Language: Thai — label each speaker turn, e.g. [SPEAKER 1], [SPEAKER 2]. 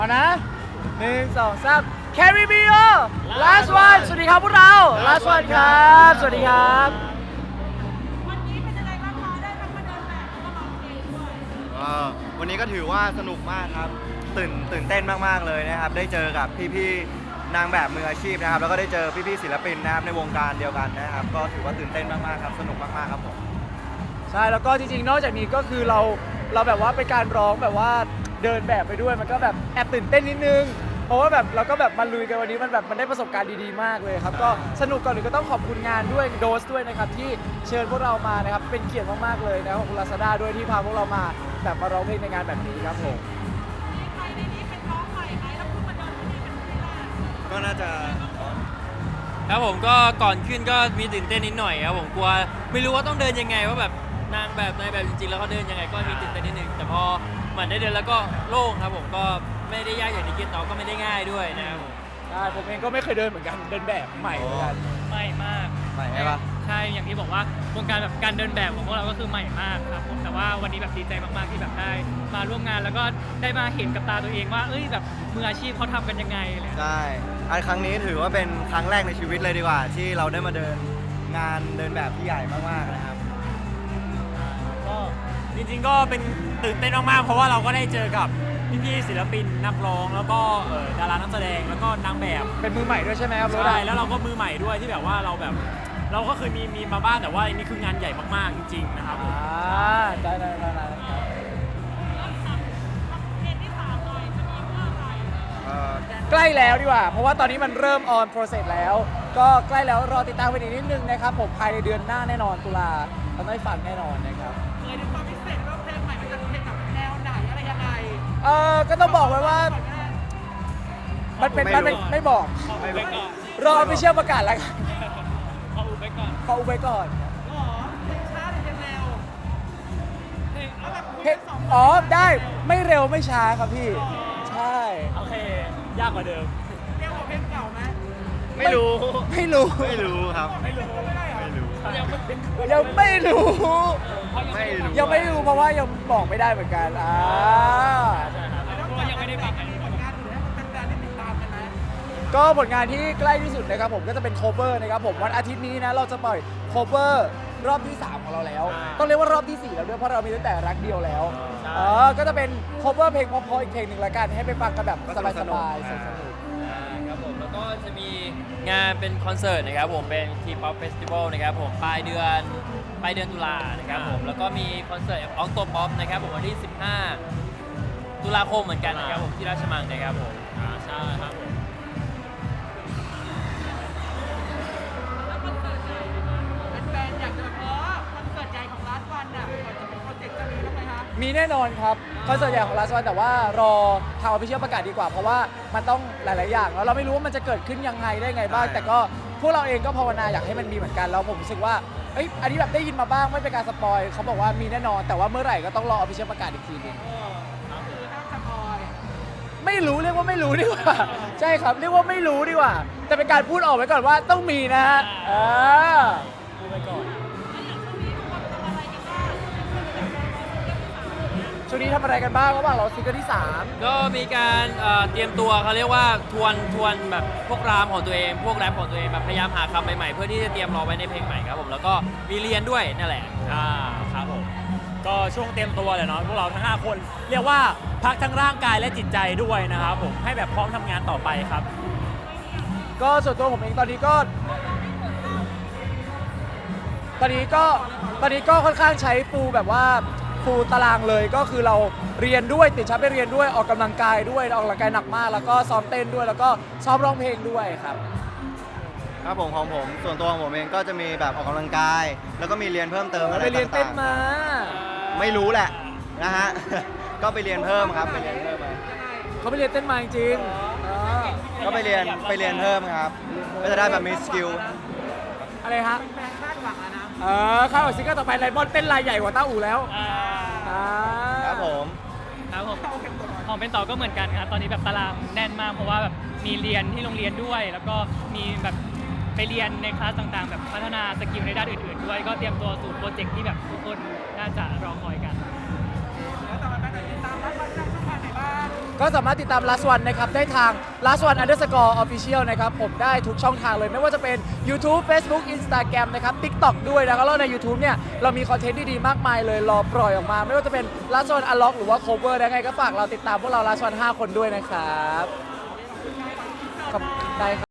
[SPEAKER 1] เอานะ1 2 3 Carry me on last one สวัสดีครับพวกเรา last one ครับสวัสดีครับ
[SPEAKER 2] วันนี้เป็นยังไงบ้างคะได้ทั้งมาเดินแบบแล้วก็ร้องเพลงด้วย
[SPEAKER 3] วันนี้ก็ถือว่าสนุกมากครับตื่นเต้นมากๆเลยนะครับได้เจอกับพี่ๆนางแบบมืออาชีพนะครับแล้วก็ได้เจอพี่ๆศิลปินนะครับในวงการเดียวกันนะครับก็ถือว่าตื่นเต้นมากๆครับสนุกมากๆครับผม
[SPEAKER 1] ใช่แล้วก็จริงๆนอกจากนี้ก็คือเราแบบว่าเป็นการร้องแบบว่าเดินแบบไปด้วยมันก็แบบแอบตื่นเต้นนิดนึงเพราะว่าแบบเราก็แบบมาลุยกันวันนี้มันได้ประสบการณ์ดีๆมากเลยครับก็สนุกก่อนอื่นก็ต้องขอบคุณงานด้วยโดสด้วยนะครับที่เชิญพวกเรามานะครับเป็นเกียรติมากๆเลยนะครับขอบคุณ Lazada ด้วยที่พาพวกเรามาแบบมาร้องเพลงในงานแบบนี้ครับผม
[SPEAKER 2] มีใครในนี้เป็นน้องใหม่ไหมแล้วเพิ่งมาเดินที่นี่เป็นที่แรก
[SPEAKER 3] ก็น่าจะ
[SPEAKER 4] ครับผมก็ก่อนขึ้นก็มีตื่นเต้นนิดหน่อยครับผมกลัวไม่รู้ว่าต้องเดินยังไงว่าแบบนางแบบในแบบจริงๆแล้วเขาเดินยังไงก็มีตื่นเต้นนิดนึงแต่พอมันได้เดินแล้วก็โล่งครับผมก็ไม่ได้ยากอย่างที่คิดเนาะก็ไม่ได้ง่ายด้วยนะครับผม
[SPEAKER 1] ใช่ผมเองก็ไม่เคยเดินเหมือนกันเดินแบบใหม่เหมือนกัน
[SPEAKER 5] ใหม่มาก
[SPEAKER 3] ใหม่ใช่ปะ
[SPEAKER 5] ใช่อย่างที่บอกว่าวงการแบบการเดินแบบของพวกเราก็คือใหม่มากครับผมแต่ว่าวันนี้แบบดีใจมากๆที่แบบได้มาร่วมงานแล้วก็ได้มาเห็นกับตาตัวเองว่าเอ้ยแบบมืออาชีพเขาทำกันยังไงอะไร
[SPEAKER 3] ใช่อันครั้งนี้ถือว่าเป็นครั้งแรกในชีวิตเลยดีกว่าที่เราได้มาเดินงานเดินแบบที่ใหญ่มากๆนะครับ
[SPEAKER 4] ก็จริงๆก็เป็นตื่นเต้นมากๆเพราะว่าเราก็ได้เจอกับพี่ๆศิลปินนักร้องแล้วก็ดารานักแสดงแล้วก็นางแบบ
[SPEAKER 1] เป็นมือใหม่ด้วยใช่ไหมครับ
[SPEAKER 4] ใช่แล้วเราก็มือใหม่ด้วยที่แบบว่าเราก็เคยมีมาบ้างแต่ว่าอันนี้คืองานใหญ่มากๆจริงๆนะครับ
[SPEAKER 1] ได้ครับ
[SPEAKER 2] เพลงที่3หน่อยจะมีเมื่อไหร่
[SPEAKER 1] ใกล้แล้วดีกว่าเพราะว่าตอนนี้มันเริ่ม on process แล้วก็ใกล้แล้วรอติดตามกันอีกนิดนึงนะครับผมภายในเดือนหน้าแน่นอนตุลาเราได้ฟังแน่นอนนะครับ
[SPEAKER 2] เคยดูความพิเศษว่าเพลงใหม่มันจะเพลงแบบแนวไหนอะไรยังไง
[SPEAKER 1] ก็ต้องบอกไว้ว่ามันเป็นไม่บอกรอไปเชื่อประกาศแล้วกัน
[SPEAKER 5] ขออุบไว้ก่อน
[SPEAKER 1] ขออุบไว้ก่อน
[SPEAKER 2] หรอเพลงช้าหรือเพลงเร็วเอาแบบคุย
[SPEAKER 1] เพล
[SPEAKER 2] กั
[SPEAKER 1] ง
[SPEAKER 2] นสอง
[SPEAKER 1] อ๋อได้ไม่เร็วไม่ช้าครับพี่ใช่
[SPEAKER 4] โอเคยากกว่าเดิม
[SPEAKER 2] เร็วกว่าเพลงเก่าไหม
[SPEAKER 3] ไม่รู้
[SPEAKER 1] ไม่รู้
[SPEAKER 3] ไม่รู้ครับ
[SPEAKER 2] ไม่รู้ไม่ได้เหรอ
[SPEAKER 3] ไม่รู้
[SPEAKER 1] ยังไม่รู้
[SPEAKER 3] ไม่รู้
[SPEAKER 1] ยังไม่รู้เพราะว่ายังบอกไม่ได้เหมือนกัน
[SPEAKER 5] เพราะว่ายังไม่ได้ฟังกัน
[SPEAKER 2] ผลงานอื่นให้มันเป็นแฟนที่ติดตามกันนะ
[SPEAKER 1] ก็ผลงานที่ใกล้ที่สุดนะครับผมก็จะเป็น cover นะครับผมวันอาทิตย์นี้นะเราจะปล่อย cover รอบที่ 3 ของเราแล้ว ต้องเรียกว่ารอบที่ 4 แล้วด้วยเพราะเรามีตั้งแต่รักเดียวแล้วก็จะเป็น cover เพลงเพราะๆอีกเพลงหนึ่งละกันให้ไปฟังกันแบบสบายๆสนุก
[SPEAKER 4] ครับผมแล้วก็จะมีงานเป็นคอนเสิร์ตนะครับผมเป็น T-pop Festival นะครับผมปลายเดือนตุลานะครับผมแล้วก็มีคอนเสิร์ตออกโตป๊อปนะครับผมวันที่ 15 ตุลาคมเหมือนกันนะครับผมที่ราชมังนะครับผมใช่ครับผม
[SPEAKER 2] แล้วคอนเสิร์ตใหญ่นะคะเป็นแฟนอยากจะแบบคอนเสิร์ตใหญ่ของร้านวันน่ะก่อนจะเป็นโปรเจกต์จะมีบ้างไหมคะ
[SPEAKER 1] มีแน่นอนครับคอนเสิร์ตใหญ่ของลาสวันแต่ว่ารอทางออฟฟิเชียลประกาศดีกว่าเพราะว่ามันต้องหลาย ๆ อย่างแล้วเราไม่รู้ว่ามันจะเกิดขึ้นยังไงได้ไงบ้างแต่ก็พวกเราเองก็ภาวนาอยากให้มันมีเหมือนกันแล้วผมรู้สึกว่าอันนี้แบบได้ยินมาบ้างไม่เป็นการสปอยเขาบอกว่ามีแน่นอนแต่ว่าเมื่อไหร่ก็ต้องรอออฟฟิเชียลประกาศอีกทีนึง
[SPEAKER 2] คือห้ามสปอย
[SPEAKER 1] ไม่รู้เรียกว่าไม่รู้ดีกว่าใช่ครับเรียกว่าไม่รู้ดีกว่าแต่เป็นการพูดออกไว้ก่อนว่าต้องมีนะฮะ
[SPEAKER 4] พูดไว้ก่อน
[SPEAKER 1] ช่วงนี้ทำอะไรกันบ้างระหว่างเราซิงเกิลที่ 3
[SPEAKER 4] ก็มีการเตรียมตัวเขาเรียกว่าทวนแบบพวกรามของตัวเองพวกแรปของตัวเองแบบพยายามหาคำใหม่ๆเพื่อที่จะเตรียมรอไว้ในเพลงใหม่ครับผมแล้วก็มีเรียนด้วยนั่นแหละครับผมก็ช่วงเตรียมตัวเลยเนาะพวกเราทั้ง5คนเรียกว่าพักทั้งร่างกายและจิตใจด้วยนะครับผมให้แบบพร้อมทำงานต่อไปครับ
[SPEAKER 1] ก็ส่วนตัวผมเองตอนนี้ก็ค่อนข้างใช้ฟูลแบบว่าฟูลตารางเลยก็คือเราเรียนด้วยติดชั้นไปเรียนด้วยออกกำลังกายด้วยออกกำลังกายหนักมากแล้วก็ซ้อมเต้นด้วยแล้วก็ซ้อมร้องเพลงด้วยครับ
[SPEAKER 3] ครับผมของผมส่วนตัวของผมเองก็จะมีแบบออกกำลังกายแล้วก็มีเรียนเพิ่มเติมอะไรต่างๆ
[SPEAKER 1] ไปเรียนเต้นมา
[SPEAKER 3] ไม่รู้แหละนะฮะ ก็ไปเรียนเพิ่มครับไปเรียนเพิ่มมา
[SPEAKER 1] เขาไปเรียนเต้นมาจริง
[SPEAKER 3] ก็ไปเรียนเพิ่มครับก็จะได้แบบมีสกิล
[SPEAKER 1] อะไรฮะ
[SPEAKER 2] แฟนคาดหวังอะนะ
[SPEAKER 1] เข้าซิงเกิลต่อไปไลมอนเต้นลายใหญ่กว่าต้าอู่แล้ว
[SPEAKER 3] ครับผม
[SPEAKER 5] ครับผมของเป็นต่อก็เหมือนกันครับตอนนี้แบบตารางแน่นมากเพราะว่าแบบมีเรียนที่โรงเรียนด้วย แล้วก็มีแบบไปเรียนในคลาสต่างๆ แบบพัฒนาสกิลในด้านอื่นๆด้วยก็เตรียมตัวสู่โปรเจกต์ที่แบบทุกคนน่าจะรอคอยกัน
[SPEAKER 2] แล้วต่อไปแบบติดตามร้านวันได้ช่องทางไหนบ้าง
[SPEAKER 1] ก็สามารถติดตาม Last One นะครับได้ทาง Last One Underscore Official นะครับผมได้ทุกช่องทางเลยไม่ว่าจะเป็น YouTube Facebook Instagram นะครับ TikTok ด้วยนะครับแล้วใน YouTube เนี่ยเรามีคอนเทนต์ดีๆมากมายเลยรอปล่อยออกมา ไม่ว่าจะเป็น Last One Unlock หรือว่า Cover ได้ไงก็ฝากเราติดตามพวกเรา Last One 5 คนด้วยนะครับขอบได้ครับ